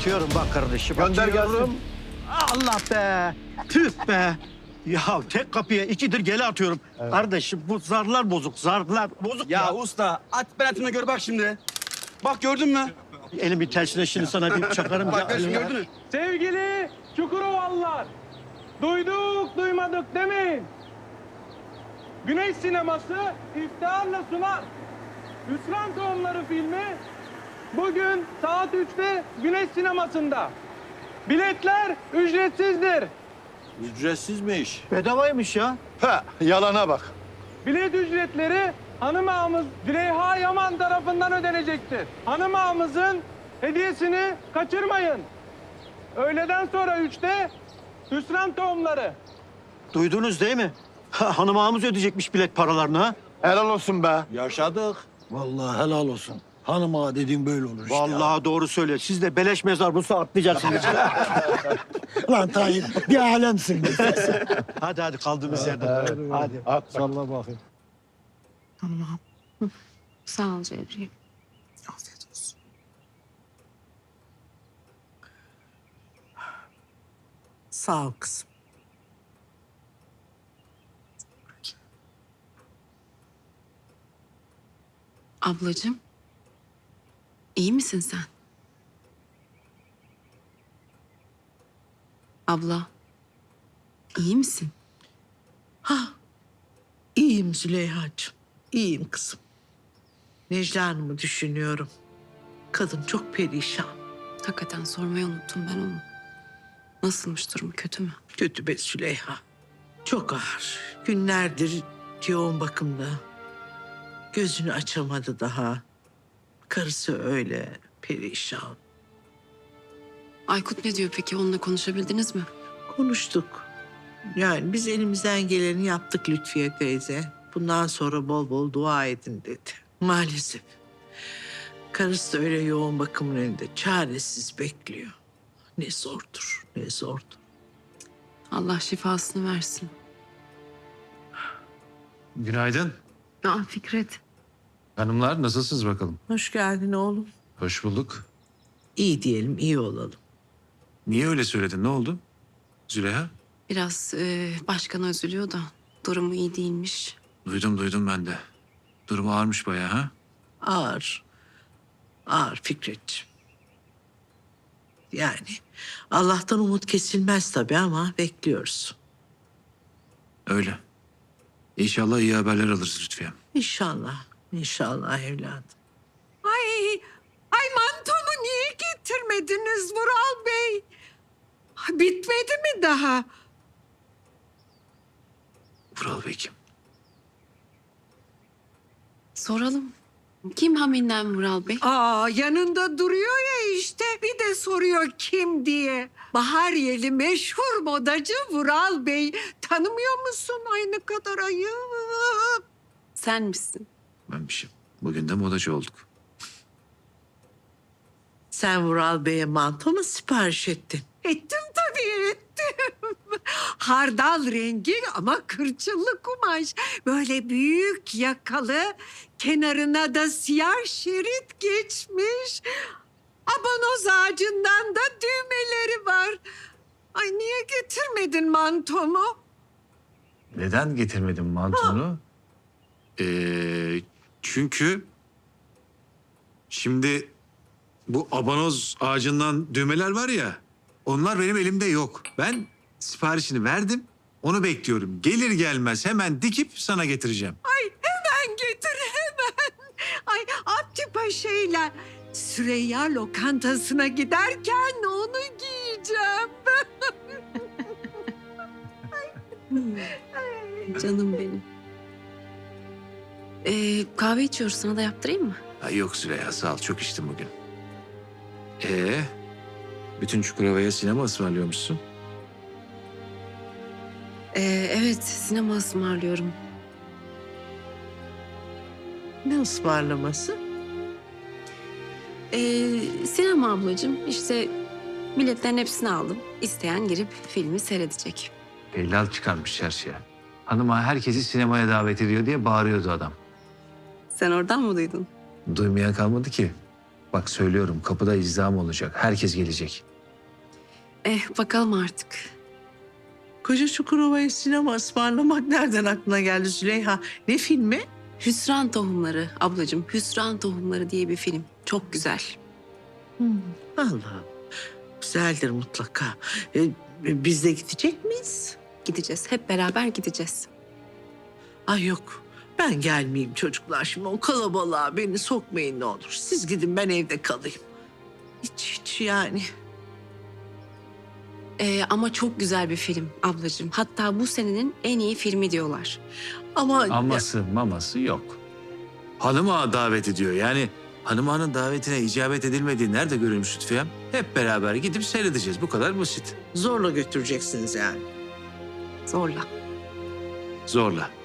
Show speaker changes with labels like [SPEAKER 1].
[SPEAKER 1] Atıyorum bak kardeşim.
[SPEAKER 2] Gönder
[SPEAKER 1] atıyorum.
[SPEAKER 2] gelsin.
[SPEAKER 1] Allah be. Tüh be. Ya tek kapıya ikidir gele atıyorum. Kardeşim bu zarlar bozuk, zarlar bozuk
[SPEAKER 3] Ya usta at belatını gör bak şimdi. Bak gördün mü?
[SPEAKER 1] Elimin tersine şimdi sana bir çakarım.
[SPEAKER 3] Bak şimdi gördün mü?
[SPEAKER 4] Sevgili Çukurovalılar, duyduk duymadık demeyin. Güneş sineması iftiharla sunar. Hüsran Tohumları filmi bugün saat 3'te Güneş sinemasında. Biletler ücretsizdir.
[SPEAKER 2] Ücretsizmiş.
[SPEAKER 1] Bedavaymış ya.
[SPEAKER 2] Ha, yalana bak.
[SPEAKER 4] Bilet ücretleri hanım ağamız Züleyha Yaman tarafından ödenecektir. Hanım ağamızın hediyesini kaçırmayın. Öğleden sonra 3'te Hüsran Tohumları.
[SPEAKER 1] Duydunuz değil mi? Hanım ağamız ödeyecekmiş bilet paralarını ha.
[SPEAKER 2] Helal olsun be.
[SPEAKER 3] Yaşadık.
[SPEAKER 5] Vallahi helal olsun. Hanım ağa dediğin böyle olur işte.
[SPEAKER 1] Vallahi doğru söylüyor. Siz de beleş mezar bulsa atlayacaksınız.
[SPEAKER 5] Lan Tayyip bir alemsin.
[SPEAKER 1] hadi kaldığımız yerden. Hadi.
[SPEAKER 2] At.
[SPEAKER 5] Salla bakayım.
[SPEAKER 6] Sağ ol Cevriye.
[SPEAKER 5] Afiyet olsun.
[SPEAKER 7] Sağ ol kızım.
[SPEAKER 6] Ablacığım, iyi misin sen? Abla, iyi misin?
[SPEAKER 7] İyiyim Züleyha'cığım. İyiyim kızım. Necla Hanım'ı düşünüyorum. Kadın çok perişan.
[SPEAKER 6] Hakikaten sormayı unuttum ben onu. Nasılmış durumu, kötü mü?
[SPEAKER 7] Kötü be Züleyha. Çok ağır. Günlerdir yoğun bakımda. Gözünü açamadı daha. Karısı öyle perişan.
[SPEAKER 6] Aykut ne diyor peki? Onunla konuşabildiniz mi?
[SPEAKER 7] Konuştuk. Yani biz elimizden geleni yaptık Lütfiye teyze. Bundan sonra bol bol dua edin dedi. Maalesef. Karısı da öyle yoğun bakımın önünde çaresiz bekliyor. Ne zordur, ne zordur.
[SPEAKER 6] Allah şifasını versin.
[SPEAKER 8] Günaydın.
[SPEAKER 6] Aa Fikret.
[SPEAKER 8] Hanımlar nasılsınız bakalım?
[SPEAKER 7] Hoş geldin oğlum.
[SPEAKER 8] Hoş bulduk.
[SPEAKER 7] İyi diyelim, iyi olalım.
[SPEAKER 8] Niye öyle söyledin? Ne oldu? Züleyha?
[SPEAKER 6] Biraz başkan üzülüyor da durumu iyi değilmiş.
[SPEAKER 8] Duydum ben de. Durumu ağırmış bayağı ha?
[SPEAKER 7] Ağır, ağır Fikretciğim. Yani Allah'tan umut kesilmez tabii ama bekliyoruz.
[SPEAKER 8] Öyle. İnşallah iyi haberler alırız Lütfiye.
[SPEAKER 7] İnşallah, inşallah evladım.
[SPEAKER 9] Ay mantomu niye getirmediniz Vural Bey? Bitmedi mi daha?
[SPEAKER 8] Vural Bey kim?
[SPEAKER 6] Soralım. Kim haminden Vural Bey?
[SPEAKER 9] Aa yanında duruyor ya işte bir de soruyor kim diye. Bahariyeli meşhur modacı Vural Bey. Tanımıyor musun? Ay ne kadar ayıp.
[SPEAKER 6] Sen misin?
[SPEAKER 8] Benmişim. Bugün de modacı olduk.
[SPEAKER 7] Sen Vural Bey'e manto mu sipariş ettin?
[SPEAKER 9] Ettim tabii ettim. Hardal rengi ama kırçıllı kumaş. Böyle büyük yakalı, kenarına da siyah şerit geçmiş. Abanoz ağacından da düğmeleri var. Ay niye getirmedin mantomu?
[SPEAKER 8] Neden getirmedim mantonu? Çünkü şimdi bu abanoz ağacından düğmeler var ya, onlar benim elimde yok. Ben siparişini verdim, onu bekliyorum. Gelir gelmez hemen dikip sana getireceğim.
[SPEAKER 9] Ay hemen getir hemen. Ay Abdi Paşa'yla Süreyya lokantasına giderken onu giyeceğim.
[SPEAKER 6] Canım benim. Kahve içiyoruz. Sana da yaptırayım mı?
[SPEAKER 8] Ay yok Süreyya, sağ ol. Çok içtim bugün. Bütün Çukurova'ya sinema ısmarlıyormuşsun.
[SPEAKER 6] Evet, sinema ısmarlıyorum.
[SPEAKER 7] Ne ısmarlaması?
[SPEAKER 6] Sinema ablacığım. İşte biletlerin hepsini aldım. İsteyen girip filmi seyredecek.
[SPEAKER 8] Helal çıkarmış çarşıya. Hanıma herkesi sinemaya davet ediyor diye bağırıyordu adam.
[SPEAKER 6] Sen oradan mı duydun?
[SPEAKER 8] Duymayan kalmadı ki. Bak söylüyorum, kapıda izdiham olacak. Herkes gelecek.
[SPEAKER 6] Bakalım artık.
[SPEAKER 7] Koca Çukurova'ya sinema ısmarlamak nereden aklına geldi Züleyha? Ne filmi?
[SPEAKER 6] Hüsran Tohumları ablacığım. Hüsran Tohumları diye bir film. Çok güzel.
[SPEAKER 7] Allah'ım. Güzeldir mutlaka. Biz de gidecek miyiz?
[SPEAKER 6] Gideceğiz. Hep beraber gideceğiz.
[SPEAKER 7] Ay yok. Ben gelmeyeyim çocuklar şimdi. O kalabalığa beni sokmayın ne olur. Siz gidin, ben evde kalayım. Hiç yani.
[SPEAKER 6] Ama çok güzel bir film ablacığım. Hatta bu senenin en iyi filmi diyorlar.
[SPEAKER 7] Ama
[SPEAKER 8] Aması maması yok. Hanım ağa davet ediyor. Yani hanım ağanın davetine icabet edilmediği nerede görülmüş Lütfiyem? Hep beraber gidip seyredeceğiz. Bu kadar basit.
[SPEAKER 7] zorla götüreceksiniz yani.
[SPEAKER 6] Zorla.
[SPEAKER 8] Zorla.